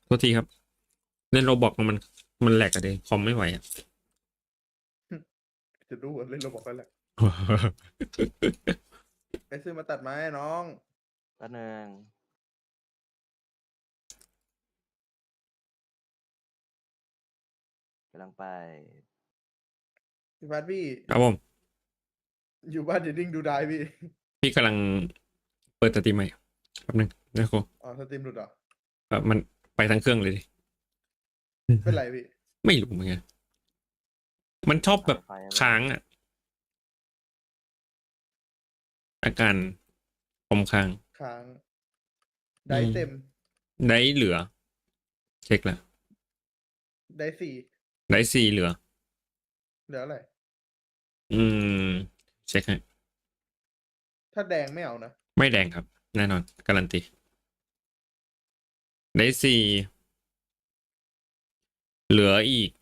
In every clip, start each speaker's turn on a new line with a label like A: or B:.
A: โทษทีครับเล่นโรบอกมันแหลกอะเดคอมไม่ไหวอะ
B: จะดูเล่นโรบอกแล้วแหละไปซื้อมาตัดไม้น้อง
C: แป๊บนึงกำลังไป
B: พี่บาสพี่
A: ครับผม
B: อยู่บ้านอย่านิ่งดูได้พี่
A: พี่กำลังเปิดสตรีมใหม่แป๊บนึงนะครับ
B: อ๋อสตรีมหลุดเหรอ
A: มันไปทั้งเครื่องเลยดิ
B: เป็นไรพี่
A: ไม่รู้เหมือนกันมันชอบแบบ
C: ไฟไม่
A: ค้างอ่ะอาการคอมค้าง
B: ค้างได้เต็ม
A: ได้เหลือ เช็คแล้ว
B: ได้สี่
A: ได้4เหลือ
B: เหลืออะไร
A: อืมเช็คให้
B: ถ้าแดงไม่เอานะ
A: ไม่แดงครับ แน่นอนการันตีได้4เหลืออีก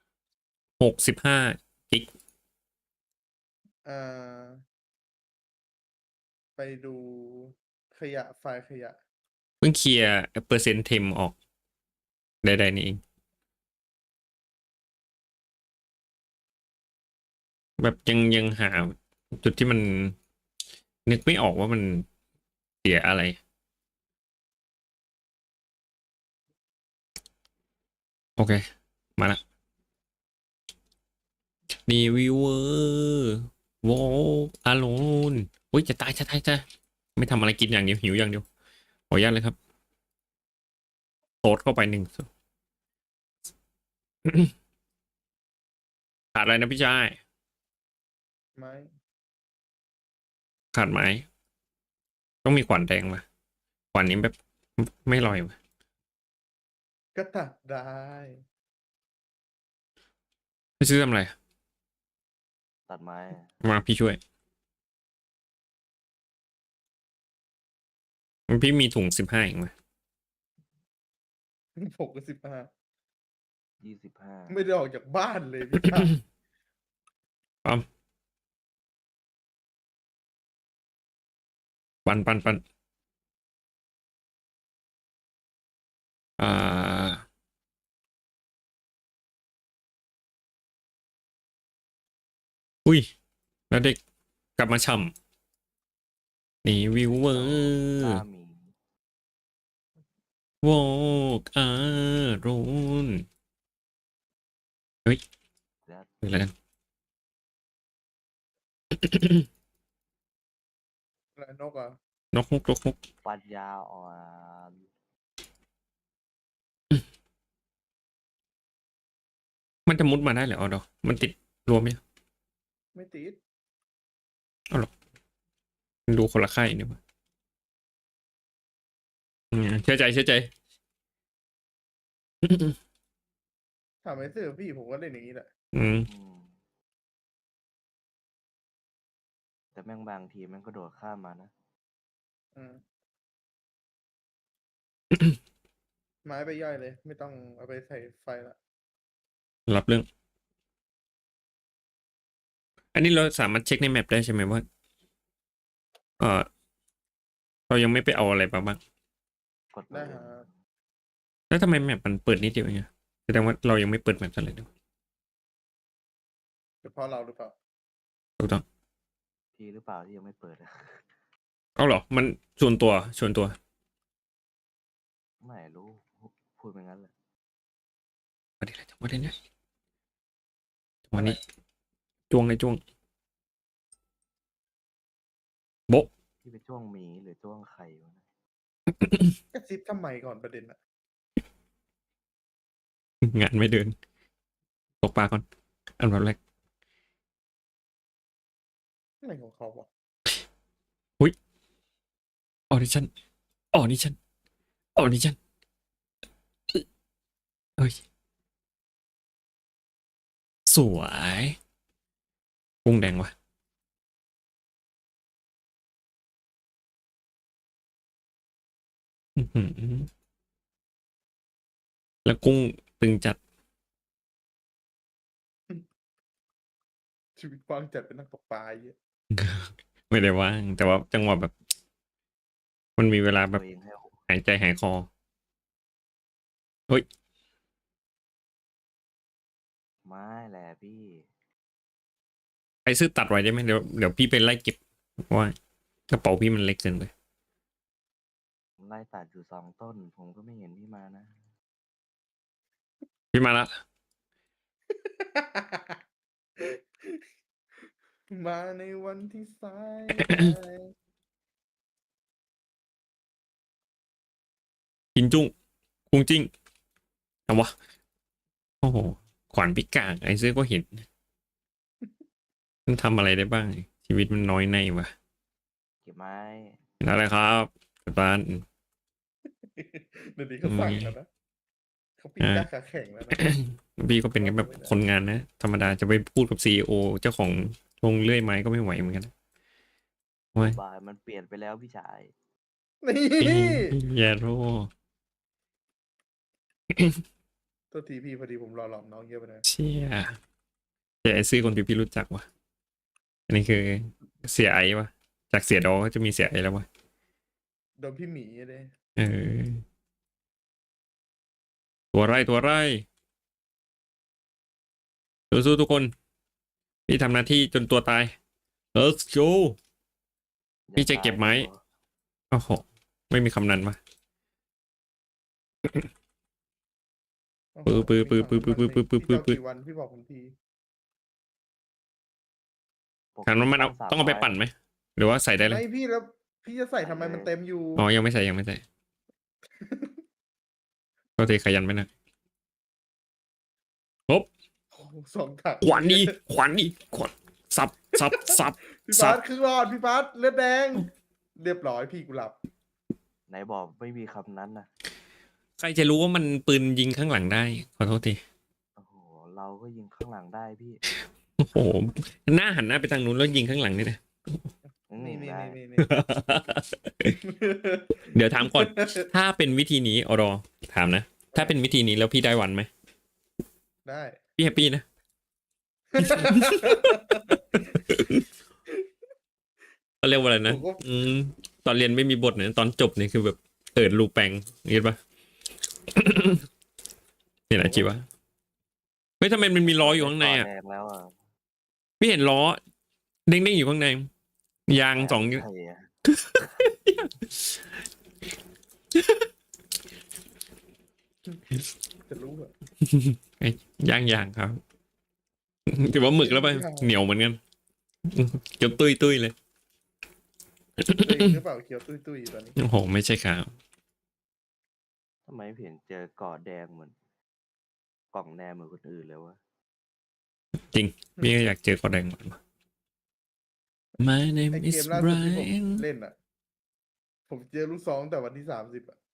A: 65กิก
B: อ่า ไปดูขยะไฟล์ขยะ
A: เพิ่งเคลียร์เปอร์เซ็นต์เทมออกใดๆนี่เองแบบยังหาจุดที่มันนึกไม่ออกว่ามันเสียอะไรโอเคมาละรีวิวเวอร์วอลอโลนอุ้ยจะตายไม่ทำอะไรกินอย่างเดียวหิวอย่างเดียวขออนุญาตเลยครับโต๊ดเข้าไป1ขาดอะไรนะพี่ชาย
B: ไม้
A: ขาดไม้ต้องมีขวานแดงมาขวานนี้แบบไม่ลอยว่ะ
B: ก็ตัดได้
A: ไม่ซื้อทำอะไร
C: ตัดไม้
A: มาพี่ช่วยพี่มีถุง15เองไหม
B: ผมก็15
C: 25
B: ไม่ได้ออกจากบ้านเลยพี่ชาย
A: ปั๊มปันอ่าอุ้ยแล้วเด็กกลับมาช่ำนี่วิวเวอ
C: โอ้
A: ร์
C: กล้ามี
A: วอกอารุนเฮ้ย
C: แล้ว
A: เฮ้ยอะไรกัน
B: อะไรนกอ่ะ
A: นกฮก
C: ปัญญาอ่อน
A: มันจะมุดมาได้เหรอเอาดอกมันติดรวมไหม
B: ไม่ติด
A: มันดูคนละค่ายนี่วะเชื่อใจ
B: ถามไอ้เสื้อพี่ผมก็เล่นอย่างนี้แหละ
A: อืม
C: อืมแต่แม่งบางทีแม่งก็โดดข้ามมานะ
B: อืม ไม้ไปย่อยเลย ไม่ต้องเอาไปใส่ไฟละ
A: รับเรื่อง อันนี้เราสามารถเช็คในแมปได้ใช่ไหมว่าเออเรายังไม่ไปเอาอะไรมาบ้าง
C: กดปื
B: ได้
C: น
B: ฮะ
A: แล้วทำไมแมปมันเปิดนิดเดียวเองอะแสดงว่าเรายังไม่เปิดแมปอะไรเลย
B: เป็นเพราะเราหรือเปล่า
A: ถูกต้อง
C: พี่หรือเปล่าที่ยังไม่เปิดอะ
A: เอาเหรอมันส่วนตัว
C: ไม่รู้พูดไปงั้นเลย
A: วันนี้อะไรจังหวะนี้จังหวะนี้จ้วงเลยจ้วงโบ๊ะ
C: พี่ไปจ้วงหมีหรือจ้วงไข่วะนะ
B: กระซิบทำไมก่อนประเด็นอะ
A: งานไม่เดินตกปลาก่อนอันดับแรก
B: อะไรของเขาวะ
A: ออดิชั่นออดิชั่นออดิชั่นเฮ้ยสวยกุ้งแดงวะอื้อหือแล้วกุ้งตึงจัด
B: ชีวิตกว้างจัดเป็นนักตกปลาเยอะ
A: ไม่ได้ว่างแต่ว่าจังหวะแบบ มันมีเวลาแบ
C: ตั
A: บ
C: วเองให้
A: หายใจหายคอเฮ้ย
C: ไม่แหละพี่
A: ไอ้ซื้อตัดไว้ได้ไหมเดี๋ยวพี่ไปไล่เก็บเพราะว่ากระเป๋าพี่มันเล็กเกินไป
C: ไล่ตัดอยู่2 ต้น ผมก็ไม่เห็นพี่มานะ
A: พี่มาละ
B: มาในวันที่สายไป
A: กินจุ้งกุ้งจิ้งเอาวะโอ้โหขวานพิกางไอ้ซื้อก็เห็นมันทำอะไรได้บ้าง ชีวิตมันน้อยในวะ
C: เก็บไม้
A: อะไรครับกัปตัน
B: เดี๋ยวนี้เขาสั่งแล้วนะเขาปิดยาขาแข็งแล้วนะ
A: พี่ก็เป็นแค่แบบคนงานนะ ธรรมดาจะไปพูดกับซีอเจ้าของโรงเลื่อยไม้ก็ไม่ไหวเหมือนกันนะโอ้ย
C: บายมันเปลี่ยนไปแล้วพี่ชาย
B: นี่
A: อย่าโทษ
B: ตัวทีพี่พอดีผมรอหลอมน้องเยอะไปหน่อย
A: เชี่ยแต่ไอ้ซื้อคนที่พี่รู้จักวะอันนี้คือเสียไอ้วะจากเสียดอก็จะมีเสียไอ้แล้ววะ
B: โดนพี่หมีเลย
A: เออ ตัวไร่ตัวไร่สู้ๆทุกคน พี่ทำหน้าที่จนตัวตาย Let's go พี่จะเก็บไม้ โอ้โห ไม่มีคำนั้นมา ปื้อปื้อปื้อปื้อปื้อปื้อปื้อปื้อปื้อ
B: พี่เจ้ากี่วันพี่บอกผมที
A: ถามว่ามันเอาต้องเอาไปปั่นไหม หรือว่าใส่ได้เลย
B: ไม่พี่แล้วพี่จะใส่ทำไมมันเต็มอยู่
A: อ๋อ ยังไม่ใส่ยังไม่ใส่ ก็เทขยันไปนะ
B: โอ้โห2 ถัง
A: ขวานดีขวานดีขวานสับสับสับ
B: พี่
A: สั
B: บา
A: บ
B: สครึ่งหลอดพี่บาสเลือดแดง เรียบร้อยพี่กูหลับ
C: ไหนบอกไม่มีคำนั้นนะ
A: ใครจะรู้ว่ามันปืนยิงข้างหลังได้ ขอโทษที
C: โอ้โห เราก็ยิงข้างหลังได้พี่
A: โอ้โห หน้าหันหน้าไปทางนู้นแล้วยิงข้างหลังนี่นะ
B: นี่นี่
C: ได้
B: นี่นี่
A: เดี๋ยวถามก่อน ถ้าเป็นวิธีนี้อรอถามนะ ถ้าเป็นวิธีนี้แล้วพี่ได้วันไหม
B: ได้
A: พี่แฮปปี้นะ เขาเรียกว่าอะไรนะ
B: ผมก็
A: ตอนเรียนไม่มีบทเนี่ยตอนจบเนี่ยคือแบบรูแปงเห็นปะ เนี่ยนะจีวะเฮ้ยทำไมมันมีล้ออยู่ข้างในอ่ะ
C: แดงแล้วอ่ะ
A: พี่เห็นล้อเด้งๆอยู่ข้างใน ยางสอง
C: ใช่อะ
B: จะรู้เหรอ
A: ยางครับ ถือว่าหมึกแล้วปะเหนียวเหมือนกันเกือบตุ้ยเลย
B: เองหรือเปล่าเขียวตุ้ยๆตอนนี้
A: โอ้โห ไม่ใช่ครับ
C: ทำไมไม่เห็นเจอกอดแดงเหมือนกล่องแดงเหมือนคนอื่นเลยวะ
A: พี่ก็อยากเจอคอแดงเหมือนกัน My
B: ไอ
A: name
B: เก
A: is
B: มล่าสุดที่ผม
A: Brian
B: เล่นอ่ะ ผมเจอลูกซองแต่วันที่30อ่ะ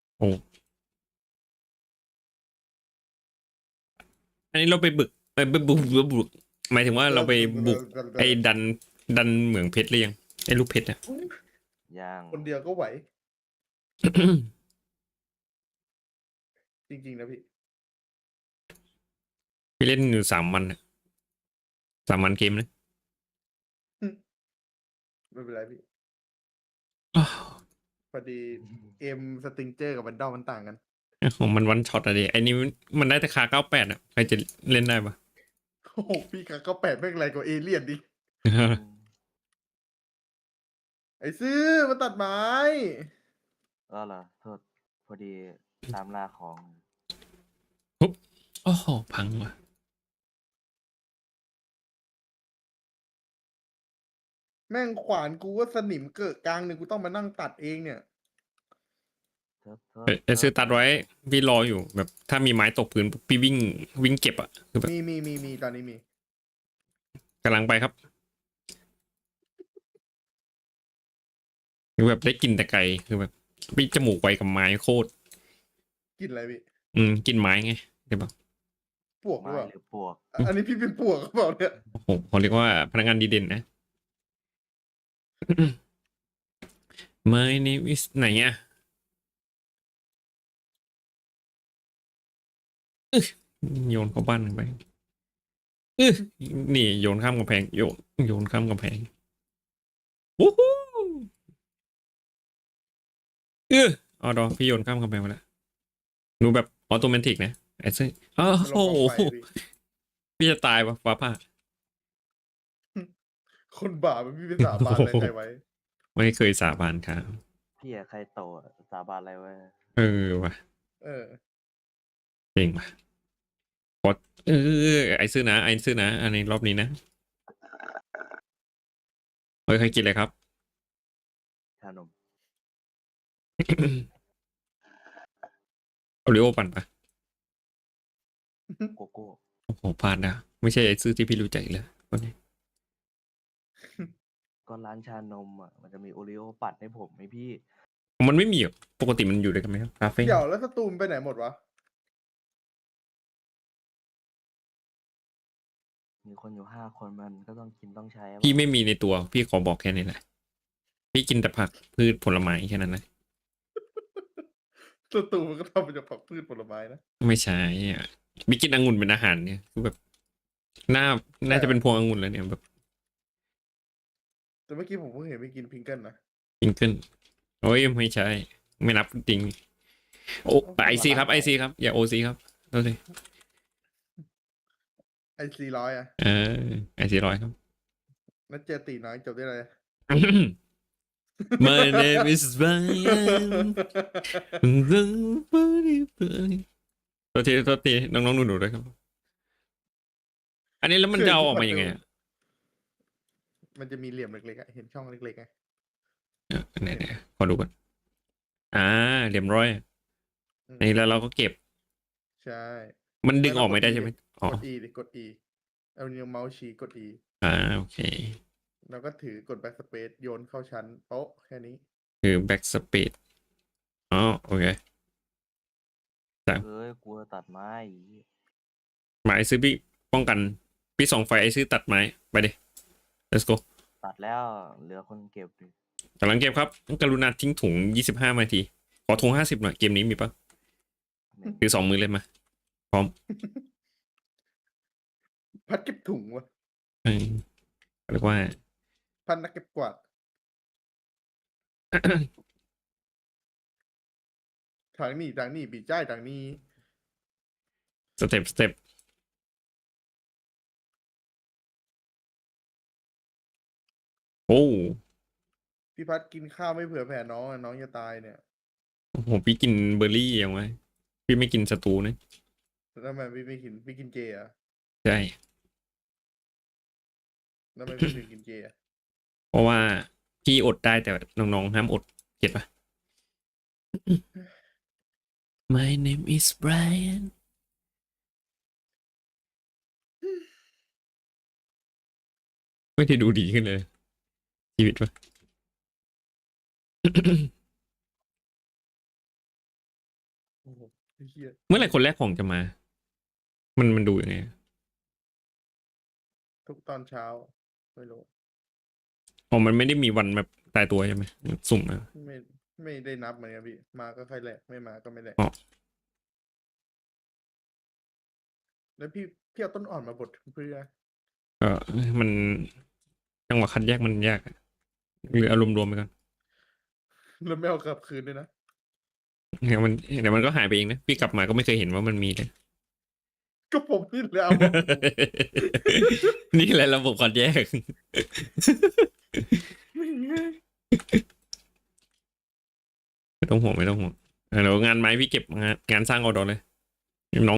A: อันนี้เราไปบุกหมายถึงว่าเราไปบุกไอ้ดันเหมืองเพชรหรือยังไอ้ลูกเพชรอะ
C: ย่าง
B: คนเดียวก็ไหว จริงๆนะพี่
A: พี่เล่นอยู่3 วันอะ3 วันเกมนะ
B: ไม่เป็นไรพี่
A: อ้าว
B: พอดีเกมสติงเจอร์กับวันดอมมันต่างกัน
A: ของมันวันช็อตอะดิไอ้นี่มันได้แต่คา98อะใครจะเล่นได้ปะ
B: โอ้โหพี่กะก็แปดแม่งไรกว่าเอเลี่ยนดิ ไอ้ซื้อมาตัดไม้
C: ก็เหรอโทษพอดีตามล่าของ
A: โอ้โหพังว่ะ
B: แม่งขวานกูว่าสนิมเกิดกลางหนึ่งกูต้องมานั่งตัดเองเนี่ย
A: ไอ้ซื้อตัดไว้พี่รออยู่แบบถ้ามีไม้ตกพื้นพี่วิ่งเก็บอะคือแบบ
B: มีตอนนี้มี
A: กำลังไปครับคือแบบได้กลินแต่ไกลคือแบบพี่จมูกไวกับไม้โคตร
B: กินอะไรพี่
A: กินไม้ไงใช่ปะ
B: ปวกหรือ
C: ไม้
B: เปล่า
C: หรือปวก
B: อันนี้พี่เป็นปวกหรือเปล่าเนี่ย
A: โอ้โหเขาเรียกว่าพนักงานดีเด่นนะ My name is ไหนอ่ะโยนเข้าบ้านไปนี่โยนข้ามกำแพงโยนข้ามกำแพงวู้ฮู้อ๋อดอพี่โยนข้ามกำแพงไปแล้วหนูแบบออโตเมติกนะไอ้ซึ่งโอ้
B: มันล
A: โห
B: งกองไฟอะพี่
A: พี่จะตายวะฟ้าผ่า
B: คนบาปมันไม่มีสาบานอะไรใครไว้
A: ไม่เคยสาบานครับ
C: พี่อะใครโตอะสาบานอะไรไว้
A: เออว่ะ
B: เออ
A: เก่งว่ะพอไอ้ซื้อนะไอ้ซื้อนะอันนี้รอบนี้นะเฮ้ยใครกินเลยครับ
C: ชานม
A: โอริโอปั่นปะ
C: โกโก้
A: โอ้โหพลาดนะไม่ใช่ไอ้ซื้อที่พี่รู้จักอีกเลยคนนี้
C: ก็ร้านชานมอ่ะมันจะมีโอรีโอปัดให้ผมไหมพี่
A: มันไม่มีหรอกปกติมันอยู่ด้วยกันไหมครับคาเฟ่
B: เดี๋ยวแล้วสตูมไปไหนหมดวะ
C: มีคนอยู่5 คนมันก็ต้องกินต้องใช้อะ
A: พี่ไม่มีในตัว พี่ขอบอกแค่นี้แหละพี่กินแต่ผักพืชผลไม้แค่นั้นนะ
B: สตูมันก็ทำมาจากผักพืชผลไม้นะ
A: ไม่ใช่อ่ะพี่กินองุ่นเป็นอาหารเนี่ยคือแบบน่าน่าจะเป็นพวงองุ่นแล้วเนี่ยแบบ
B: แต่เมื่อกี้ผมเพิ่งเห็นไปกินพิงเกิลนะ
A: จิงเกิลโอ้ยไม่ใช่ ไม่นับจริงโอ้ไอซีครับไอซีครับอย่าโอซีครับโทษที
B: ไอ400อ่ะ
A: เออไอซีร้อยครับ
B: แล้วเจอตีน้อยจบได้เลย
A: My name is Brian โทษทีน้องๆหนูๆด้วยครับ อันนี้แล้วมันจะเอาออกมายังไงอะ
B: มันจะมีเหลี่ยมเล็กๆอะเห็นช่องเล็กๆไง
A: ไหนขอดูก่อนเหลี่ยมร้อย
B: อืม
A: นี่แล้วเราก็เก็บ
B: ใช่
A: มันดึงออกไม่ได้ใช่ไหมอ๋อก
B: ด E ดิกด E เอานิ้วเมาส์ชี้กด E
A: โอเค
B: แล้วก็ถือกด backspace โยนเข้าชั้นโป๊ะแค่นี้
A: คือ back speed อ๋อโอเค
C: เอ้ยกลัวตัดไม้อีก
A: หมายซื้อพี่ป้องกัน พี่ส่องไฟไอซื้อตัดไม้ ไปดิ let's go
C: ตัดแล้วเหลือคนเก็บดิ
A: กำลังเก็บครับ กรุณาทิ้งถุง25 นาที ขอถุง50หน่อย เกมนี้มีปะถือ2 มือเลยมา พร้อม
B: พัดเก็บถุงวะ
A: เออเรียกว่า
B: พัดนักเก็บกวาดทางนี้บีจ้ายทางนี้
A: สเต็ปโอ้
B: พี่พัดกินข้าวไม่เผื่อแผ่น้องอะน้องจะตายเนี่ย
A: โหพี่กินเบอร์รี่ยังไงพี่ไม่กินสตูนะ
B: แล้วทำไมพี่กินเจอะ
A: ใช่
B: แล้วทำไมพี่ถึงกินเจอะ
A: เพราะว่าพี่อดได้แต่น้องๆห้ามอดเก็ตปะ My name is Brian ไม่ได้ดูดีขึ้นเลย ชีวิตปะ
B: โอ้โหไอ้เหี้ย
A: เมื่อไหร่คนแรกของจะมา มันดูยังไง
B: ทุกตอนเช้า ไม่รู้
A: อ๋อมันไม่ได้มีวันแบบตายตัวใช่ไหมมันสุ่มนะ
B: ไม่ได้นับเหมือนกันพี่ มาก็ค่อยแหละ ไม่มาก็ไม่แหละ
A: อ๋อ
B: แล้วพี่เอาต้นอ่อนมาบดเพื่อ
A: ก็มันจังหวะคัดแยกมันยากอะหรืออารมณ์รวมไปก่อน
B: แล้วไม่เอากลับคืนด้วยนะ
A: เดี๋ยวมันก็หายไปเองนะ พี่กลับมาก็ไม่เคยเห็นว่ามันมีเลย
B: ก็ผมนี่แหละเอามา
A: นี่แหละระบบคัดแยก ไม่ต้องห่วงเดี๋ยวงานไม้พี่เก็บงานสร้างเอาดอเลยน้อง